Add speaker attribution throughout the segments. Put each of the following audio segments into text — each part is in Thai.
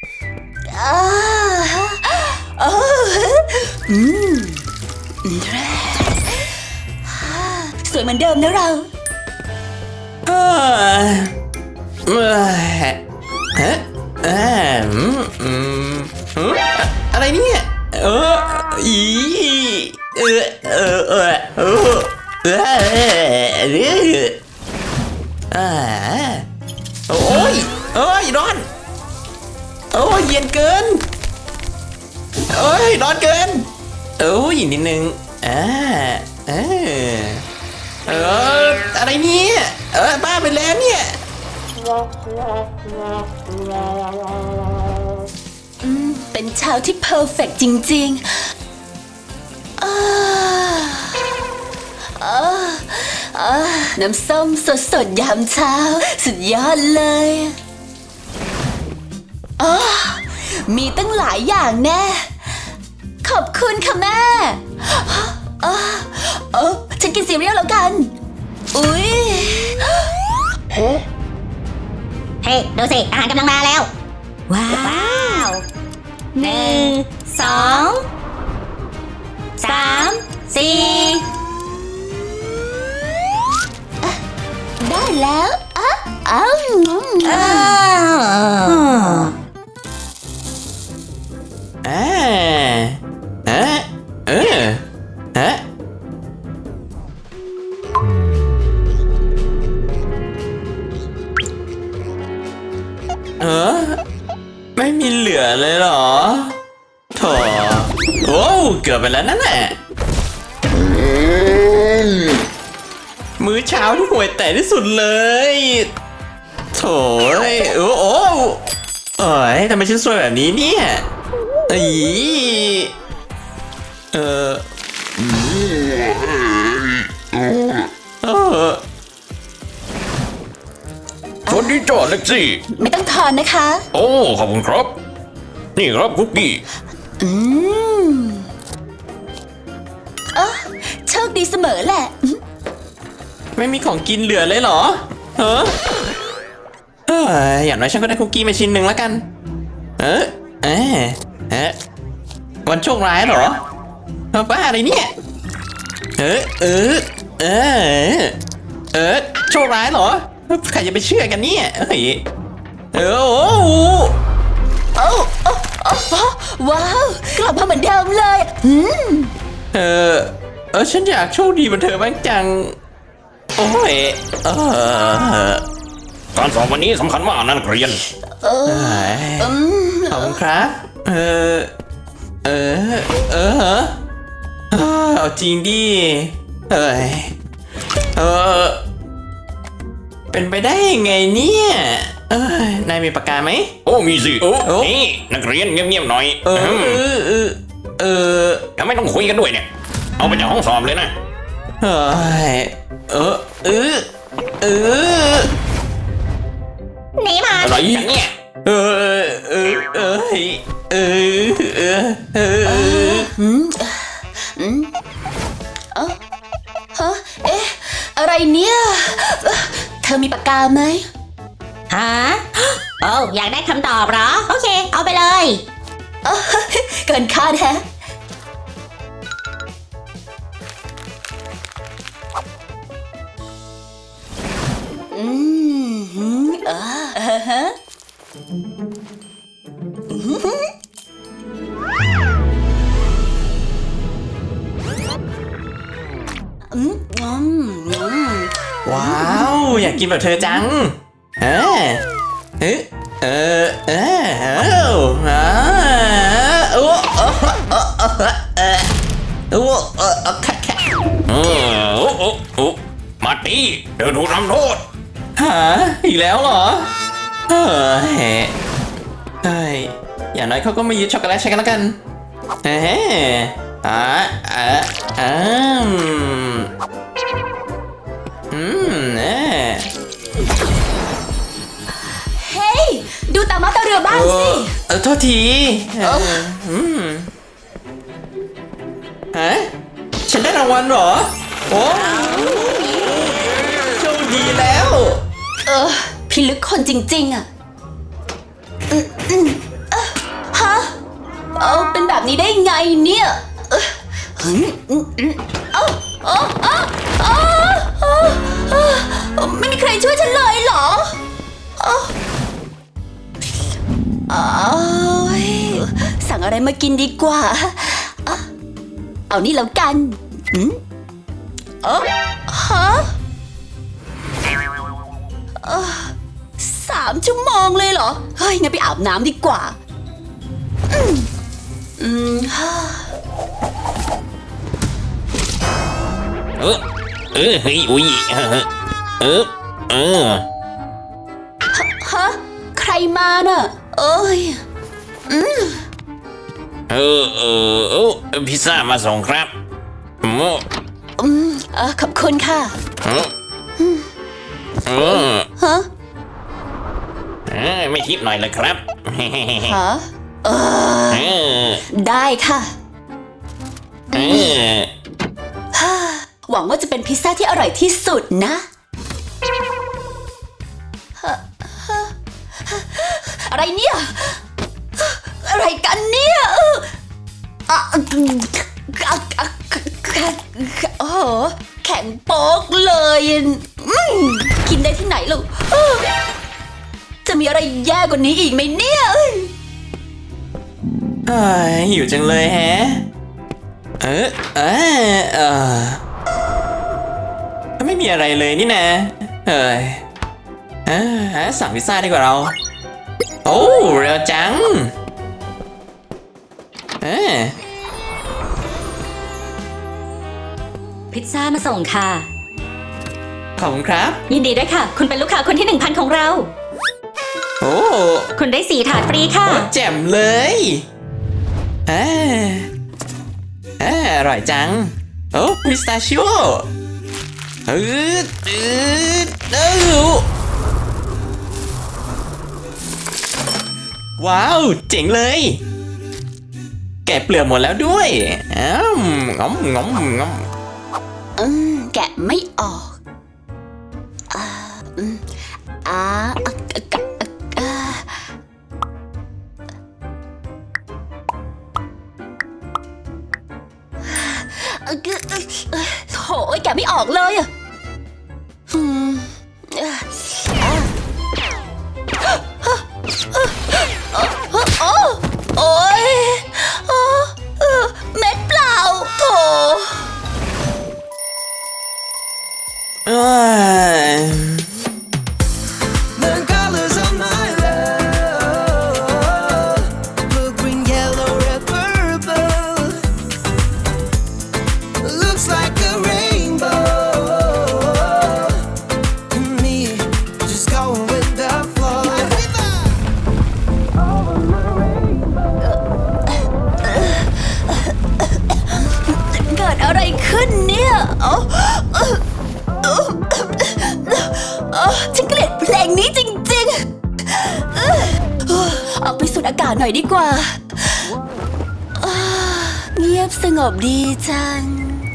Speaker 1: อ่าโอ้อืมสวยเหมือนเดิมนะเรา
Speaker 2: เอ่อเอ่อฮะอืมอะไรเนี่ยอีเออเออเออเออเอออ่าโอ้ยโอ้ยร้อนโอ้ยเย็นเกินโอ้ยร้อนเกินโอ้ยนิดนึงเออะไรเนี่ยบ้าไปแล้วเนี่ย
Speaker 1: เป็นเช้าที่เพอร์เฟกต์จริงๆน้ำส้มสดๆยามเช้าสุดยอดเลยมีตั้งหลายอย่างแน่ขอบคุณค่ะแม่ฉันกินซีเรียลแล้วกันอุ๊ย
Speaker 3: เฮ้ยดูสิอาหารกำลังมาแล้วว้าว 1 2 3 4
Speaker 1: ได้แล้ว
Speaker 2: ไม่มีเหลือเลยเหรอโถโอ้เกือบไปแล้วนั่นแหละมื้อเช้าที่ห่วยแตกที่สุดเลยโถโอ้ยทำไมฉันสวยแบบนี้เนี่ย
Speaker 4: สวัสดีจ้าเล็กซี่
Speaker 1: ไม่ต้องทอนนะคะ
Speaker 4: โอ้ขอบคุณครับ นี่ครับคุกกี้
Speaker 1: โชคดีเสมอแหละ
Speaker 2: ไม่มีของกินเหลือเลยเหรออย่างน้อยฉันก็ได้คุกกี้มาชิ้นหนึ่งแล้วกันวันโชคร้ายเหรอบ้าอะไรเนี่ยโชคร้ายเหรอใครจะไปเชื่อกันเนี่ย
Speaker 1: ว้าวกลับมาเหมือนเดิมเลย
Speaker 2: ฉันอยากโชคดีเหมือนเธอบ้างจังโอ้ย
Speaker 4: การสอบวันนี้สำคัญมากนั่นเรียน
Speaker 2: ขอบคุณครับเอาจริงดิเป็นไปได้ยังไงเนี่ยนายมีปากกาไหม
Speaker 4: โอ้มีสินี่นักเรียนเงียบๆหน่อยทำไมต้องคุยกันด้วยเนี่ยเอาไปจากห้องสอบเลยนะ
Speaker 3: หนีมา
Speaker 4: อะไรอย่างเนี่ย
Speaker 1: อะไรเนี่ยเธอมีปากกาไหม
Speaker 3: ฮะโอ้อยากได้คำตอบเหรอโอเคเอาไปเลย
Speaker 1: เกินคาดแฮะ
Speaker 2: ว้าวอยากกินแบบเธอจัง
Speaker 4: มาตีเดินถูกทำโทษ
Speaker 2: อีกแล้วเหรออย่างน้อยเขาก็ไม่ยึดช็อกโกแลตใช้กันแล้วกัน
Speaker 1: เฮ้ยดูตามาตาเรือบ้างสิ
Speaker 2: โทษทีฉันได้รางวัลเหรอโอ้โชคดีแล้ว
Speaker 1: พิลึกคนจริงๆอ่ะนแบบนี้ได้ไงเนี่ยไม่มีใครช่วยฉันเลยเหรอสั่งอะไรมากินดีกว่าเอานี่แล้วกันฮะ3 ชั่วโมงเลยเหรอ เฮ้ย งั้นไปอาบน้ำดีกว่า
Speaker 4: เฮ้ยอุ้ย
Speaker 1: ฮะ ใครมาน่ะ เอ้ย
Speaker 4: พิซซ่ามาส่งครับโม
Speaker 1: ขอบคุณค่ะ ฮะ
Speaker 4: ไม่ทิปหน่อยเลยครับ
Speaker 1: ฮะ ได้ค่ะ หวังว่าจะเป็นพิซซ่าที่อร่อยที่สุดนะ อะไรเนี่ย อะไรกันเนี่ยโอ้โหแข็งโป๊กเลยกินได้ที่ไหนลูกจะมีอะไรแย่กว่านี้อีกไหมเนี่ย
Speaker 2: หิวจังเลยแฮะไม่มีอะไรเลยนี่นะสั่งพิซซ่าดีกว่าเรา โอ้เร็วจัง
Speaker 3: พิซซ่ามาส่งค่ะ
Speaker 2: ขอบคุณครับ
Speaker 3: ยินดีด้วยค่ะ คุณเป็นลูกค้าคนที่ 1,000 ของเรา
Speaker 2: โอ้
Speaker 3: คุณได้4 ถาดฟรีค่ะ
Speaker 2: แจ่มเลยอร่อยจัง โอ้พิสตาชิโอว้าว เจ๋งเลย แกะเปลือกหมดแล้วด้วยงอม
Speaker 1: แกะไม่ออก โถ่แกะไม่ออกเลยอะโอ๊ยเม็ดเปล่าโถ
Speaker 5: The colors of my love, blue, green, yellow, red, purple. Looks like a rainbow. And me, just going with the flow. Over my rainbow.
Speaker 1: เกิดอะไรขึ้นเนี่ยฉันเกลียดเพลงนี้จริงๆออกไปสูดอากาศหน่อยดีกว่าเงียบสงบดีจัง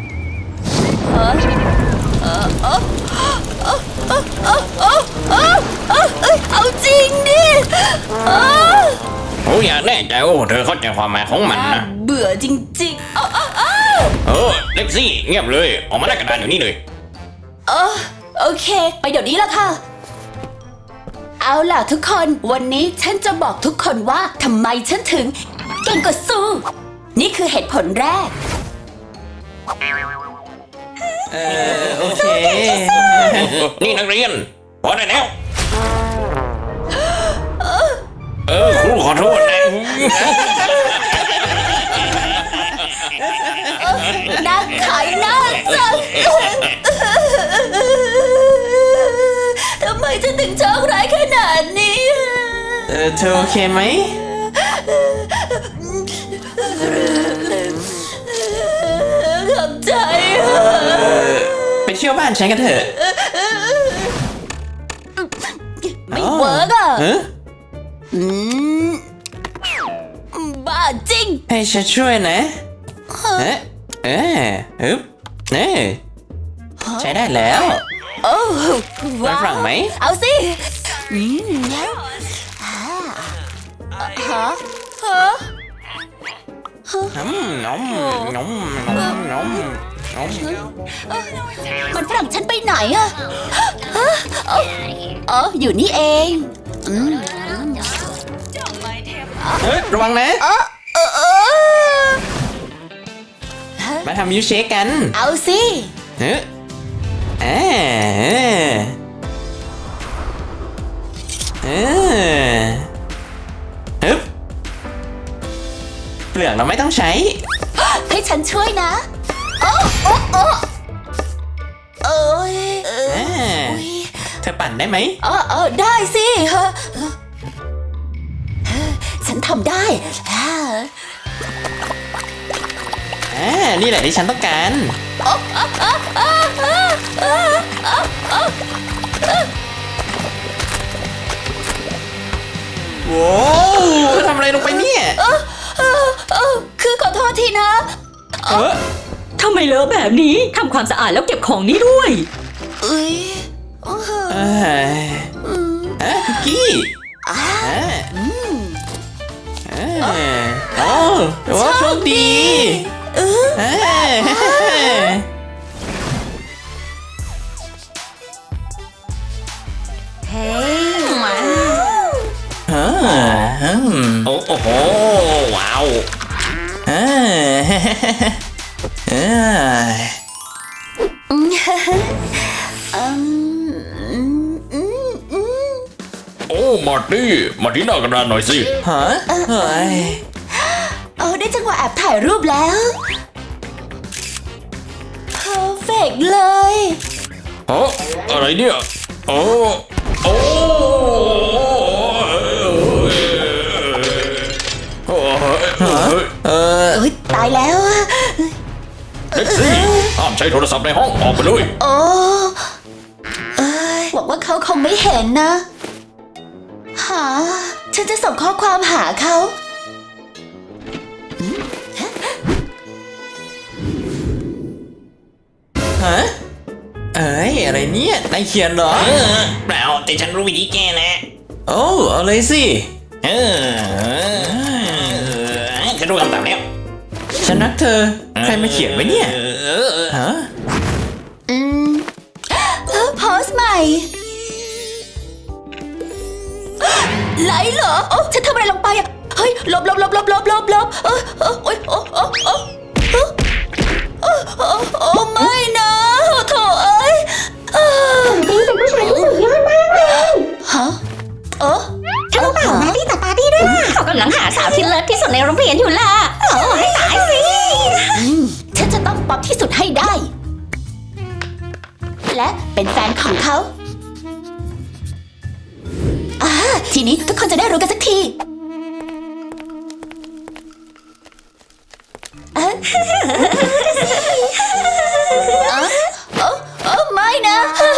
Speaker 1: เอาจริงดิ
Speaker 4: โอ้อย่าแน่ใจโอ้เธอเข้าใจความหมายของมันนะ
Speaker 1: เบื่อจริงๆ
Speaker 4: เล็กซี่เงียบเลยออกมาหน้ากระดานอยู่นี่เลย
Speaker 1: โอเค ไปเดี๋ยวนี้ละค่ะ เอาล่ะทุกคนวันนี้ฉันจะบอกทุกคนว่าทำไมฉันถึงเก่งกว่าซูนี่คือเหตุผลแรก
Speaker 2: โอเค
Speaker 4: นี่นักเรียนพอได้แล้วครูขอโทษนะ
Speaker 1: นักขายหน้าจังทำไมฉันถึงโชคร้ายขนาดนี้
Speaker 2: เธอโอเคไหม
Speaker 1: ขอบใจ
Speaker 2: ไปเที่ยวบ้านฉันกันเถอะ
Speaker 1: ไม่เวิร์กอ่ะ บ้าจริง
Speaker 2: ให้ฉันช่วยนะใช้ได้แล้ว
Speaker 1: โอ้ว้า
Speaker 2: ฝรั่งไหม
Speaker 1: เอาสิฮะ
Speaker 2: งอมงอมงอมงอมงอม
Speaker 1: มันฝรั่งฉันไปไหนอะอ๋ออยู่นี่เองอืม
Speaker 2: เฮ้ยระวังนะ มาทำมิลค์เชคกัน
Speaker 1: เอาสิ
Speaker 2: เฮ้ยอ่าฮึบเปลือกเราไม่ต้องใช้
Speaker 1: ให้ฉันช่วยนะโอ้โอ้โอ้เอ้ยอุ๊ย
Speaker 2: เธอปั่นได้ไหม
Speaker 1: ได้สิฉันทำได้
Speaker 2: นี่แหละที่ฉันต้องการ โว้วทำอะไรลงไปเนี่ย
Speaker 1: คือขอโทษทีนะ
Speaker 6: ทำไมเลอะแบบนี้ ทำความสะอาดแล้วเก็บของนี้ด้วย
Speaker 1: เอ้ย
Speaker 2: คุกกี้โอ้แต่ว่าโชคดี
Speaker 4: โอ้โห ว้าว โอ้ มาร์ตี้ มาที่หน้ากระดานหน่อยสิ
Speaker 2: ฮะเฮ้ย
Speaker 1: ได้จังหวะแอบถ่ายรูปแล้ว perfect เลย
Speaker 4: ฮะ อะไรเนี่ย โอ้โอ้
Speaker 1: โอ๊ยตายแล้วอะ
Speaker 4: เล็กซี่ห้ามใช้โทรศัพท์ในห้องออกไปเลย
Speaker 1: โอ้หวังว่าเขาคงไม่เห็นนะฉันจะส่งข้อความหาเขา
Speaker 2: ฮะอะไรเนี่ยนายเขียนเหรอ
Speaker 4: เปล่าแต่ฉันรู้วิธีแก้นะ
Speaker 2: โอ้เอาเลยสิ
Speaker 4: ฉันรู้คำตอบแล้ว
Speaker 2: ฉันรักเธอ ใครมาเขียนไว้เนี่ยฮะ
Speaker 1: โพสต์ใหม่ไลค์เหรอโอ้ฉันทำอะไรลงไปอะเฮ้ยลบโอ้ไม่นะโถเอ้ยนี่เป็นผู้ชายที่สุดยอดมากเลยฮะ
Speaker 3: ฉันรู้เปล่าแม่ที่จัดปาร์ตี้ด้วยล่ะเขากำลังหาสาวที่เลิศที่สุดในโรงเรียนอยู่ล่ะโอ้ให้ตายสิ
Speaker 1: ฉันจะต้องป๊อปที่สุดให้ได้ และเป็นแฟนของเขาทีนี้ทุกคนจะได้รู้กันสักทีไม่นะ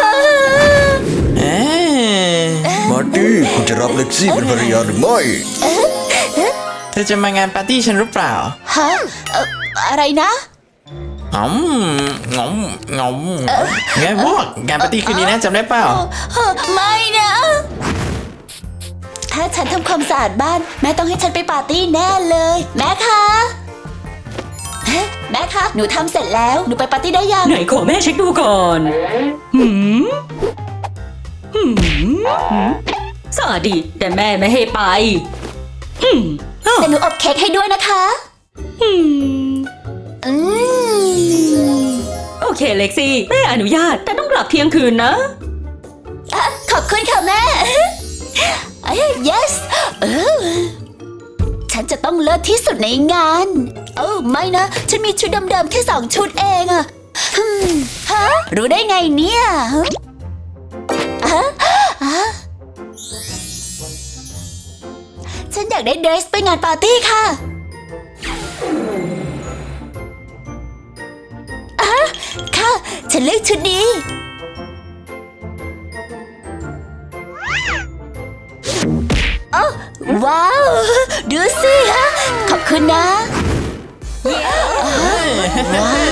Speaker 5: มาร์ตี้คุณจะรับเล็กซี่เป็นภรรยาหรือไม่
Speaker 2: เธอจะมางานปาร์ตี้ฉันหรือเปล่า
Speaker 1: ฮะอะไรนะ
Speaker 2: งอมไงพวกงานปาร์ตี้คืนนี้นะจำได้เปล่า
Speaker 1: ไม่นะ ถ้าฉันทำความสะอาดบ้านแม่ต้องให้ฉันไปปาร์ตี้แน่เลย แม่คะแม่คะหนูทำเสร็จแล้วหนูไปปาร์ตี้ได้ยัง
Speaker 6: ไหนขอแม่เช็คดูก่อนสะอาดดีแต่แม่ไม่ให้ไป
Speaker 1: แต่หนูอบเค้กให้ด้วยนะคะ
Speaker 6: โอเคเล็กซี่แม่อนุญาตแต่ต้องกลับเที่ยงคืนนะ
Speaker 1: ขอบคุณค่ะแม่ yes ฉันจะต้องเลิศที่สุดในงานไม่นะฉันมีชุดเดิมๆแค่2 ชุดเองอะฮะรู้ได้ไงเนี่ยฉันอยากได้เดรสไปงานปาร์ตี้ค่ะค่ะฉันเลือกชุดนี้ว้าว ดูสิฮะขอบคุณนะว้าว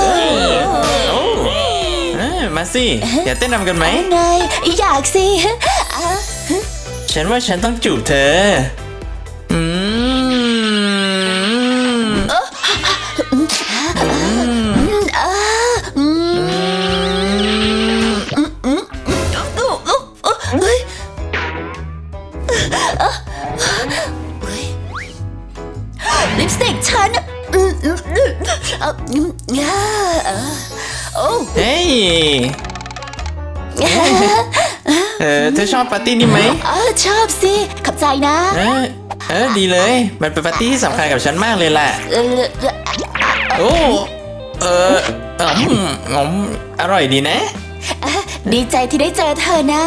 Speaker 2: มาสิอยากเต้นรำกันไหม
Speaker 1: ไงอยากสิ
Speaker 2: ฉันว่าฉันต้องจูบเธอ
Speaker 1: ปสติกฉันโอ้
Speaker 2: เฮ้ย เธอชอบปาร์ตี้นี่ไหม
Speaker 1: ชอบสิขอบใจนะ
Speaker 2: ดีเลย มันเป็นปาร์ตี้ที่สำคัญกับฉันมากเลยแหละ โอ้อร่อยดีนะ
Speaker 1: ดีใจที่ได้เจอเธอนะ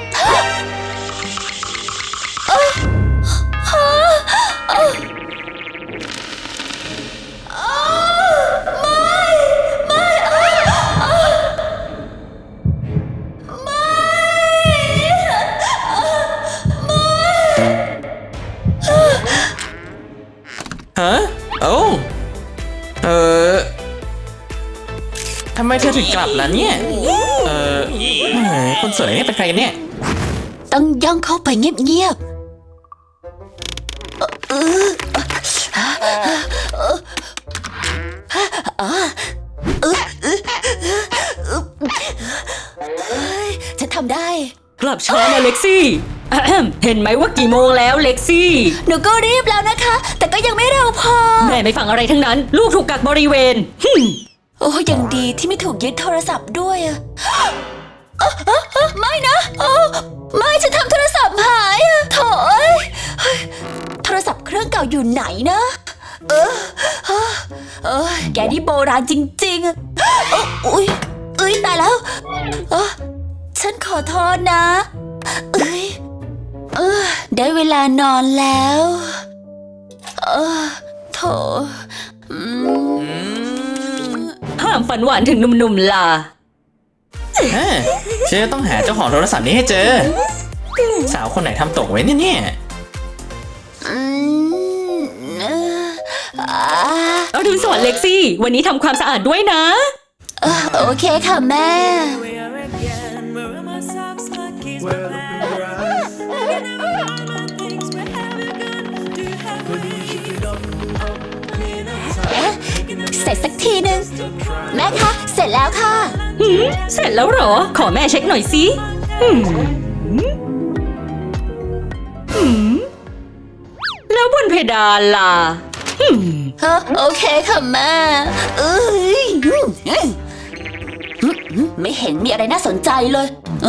Speaker 2: ฮะ โอ้ทำไมเธอถึงกลับล่ะเนี่ย คนสวยเนี่ยเป็นใครกันเนี่ย
Speaker 1: ต้องย่องเข้าไปเงียบๆฉันทำได้
Speaker 6: กลับช้านะเล็กซี่อะแฮมเห็นไหมว่ากี่โมงแล้วเล็กซี่
Speaker 1: หนูก็รีบแล้วนะคะ แต่ก็ยังไม่เร็วพอ
Speaker 6: แม่ไม่ฟังอะไรทั้งนั้น ลูกถูกกักบริเวณ
Speaker 1: โอ้ยังดีที่ไม่ถูกยึดโทรศัพท์ด้วยอะไม่นะไม่ฉันทำโทรศัพท์หายอะโถยโทรศัพท์เครื่องเก่าอยู่ไหนนะแกนี่โบราณจริงๆอะอุ้ยตายแล้วฉันขอโทษนะได้เวลานอนแล้วโถ
Speaker 6: ห้ามฝันหวานถึงหนุ่มๆล่ะ
Speaker 2: ฉันจะต้องหาเจ้าของโทรศัพท์นี้ให้เจอ สาวคนไหนทำตกไว้เนี่ย
Speaker 6: เอาดูสวัสดิ์เล็กซี่ วันนี้ทำความสะอาดด้วยนะ
Speaker 1: โอเคค่ะแม่
Speaker 5: Where again? Where are my socks, my keys, my
Speaker 7: Well,
Speaker 5: bag?
Speaker 7: open your eyes.
Speaker 5: Where are all my things? Where have you gone? Do you have
Speaker 7: But you should be done up in a time.
Speaker 1: เสร็จสักทีหนึ่งแม่คะเสร็จแล้วค่ะ
Speaker 6: เสร็จแล้วเหรอ ขอแม่เช็คหน่อยสิแล้วบนเพดานล่ะ
Speaker 1: โอเคค่ะแม่ไม่เห็นมีอะไรน่าสนใจเลย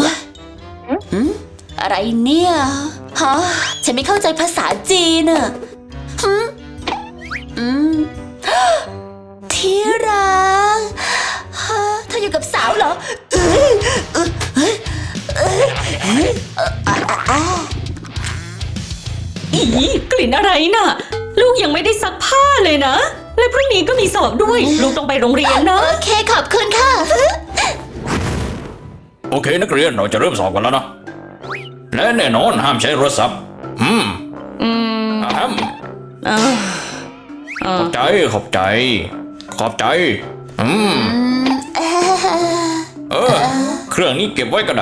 Speaker 1: อะไรเนี่ยฮะฉันไม่เข้าใจภาษาจีนอะที่รักฮะเธออยู่กับสาวเหรอ
Speaker 6: อีกลิ่นอะไรน่ะ ลูกยังไม่ได้ซักผ้าเลยนะ และพรุ่งนี้ก็มีสอบด้วย ลูกต้องไปโรงเรียนนะ
Speaker 1: โอเคขอบคุณค่ะ
Speaker 4: โอเคนักเรียนเราจะเริ่มสอบกันแล้วนะ และแน่นอนห้ามใช้โทรศัพท์ขอบใจ ขอบใจ ขอบใจ เครื่องนี้เก็บไว้ก็ได้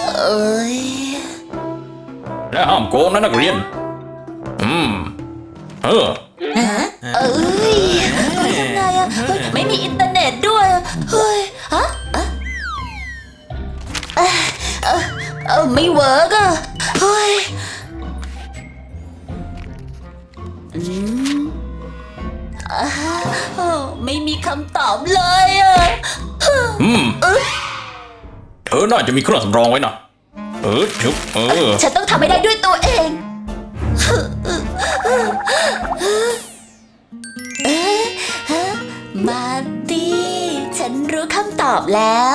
Speaker 4: และห้ามโกงนะนักเรียน
Speaker 1: ยังไงอะไม่มีอินเทอร์เน็ตด้วยเฮ้ยฮะไม่เวิร์กอะเฮ้ยไม่มีคำตอบเลยอะ
Speaker 4: เธอน่าจะมีเครื่องสำรองไว้นะชุบ
Speaker 1: ฉันต้องทำให้ได้ด้วยตัวเองมาตี้ฉันรู้คำตอบแล้ว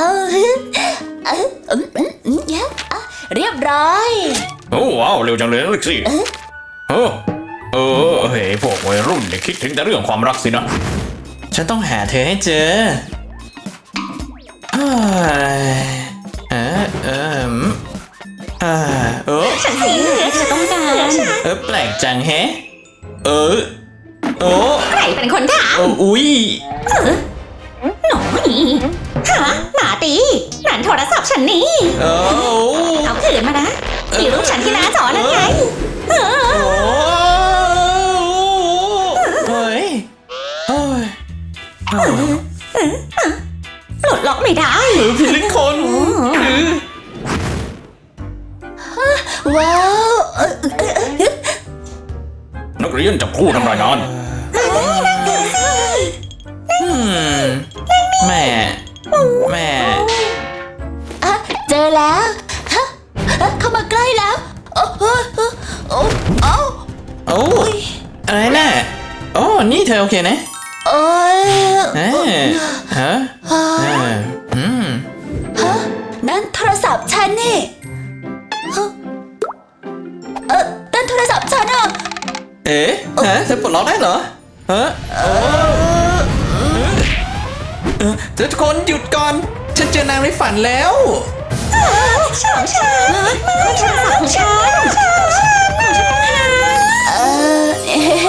Speaker 1: เรียบร้อย
Speaker 4: โอ้ว้าวเร็วจังเลยนะเล็กซี่เฮ้ยพวกวัยรุ่นเนี่ยคิดถึงแต่เรื่องความรักสินะ
Speaker 2: ฉันต้องหาเธอให้เจอ
Speaker 3: ฉันสีเหลืองจะต้องการ
Speaker 2: แปลกจังแฮะ
Speaker 3: ใครเป็นคนถาม
Speaker 2: อุ๊ย
Speaker 3: หน่อยฮะหมาตีนั่นโทรศัพท์ฉันนี่ เอาคืนมานะมีรูปฉันที่หน้าจอนั่นไง
Speaker 2: เฮ้ย
Speaker 3: ปลดล็อกไม่ได้
Speaker 2: พี่ลิคน
Speaker 1: ว้าว
Speaker 4: นักเรียนจับคู่ทำรายงาน
Speaker 2: แม่
Speaker 1: อ่ะเจอแล้วฮะเข้ามาใกล้แล้ว โอ้โอ้โอ้โอ้
Speaker 2: โอ้อะไรน่ะโอ้นี่เธอโอเคนะ
Speaker 1: โอ้ย
Speaker 2: ฮะฮะอืม
Speaker 1: ฮะนั่นโทรศัพท์ฉันนี่ฮะนั่นโทรศัพท์ฉันอ่ะ
Speaker 2: เอ๊ะฮะเธอปลดล็อกได้เหรอฮะทุกคนหยุดก่อน ฉันเจอนางในฝันแล้ว
Speaker 3: ของฉันโทรศัพท์ของฉันของฉัน
Speaker 1: เออ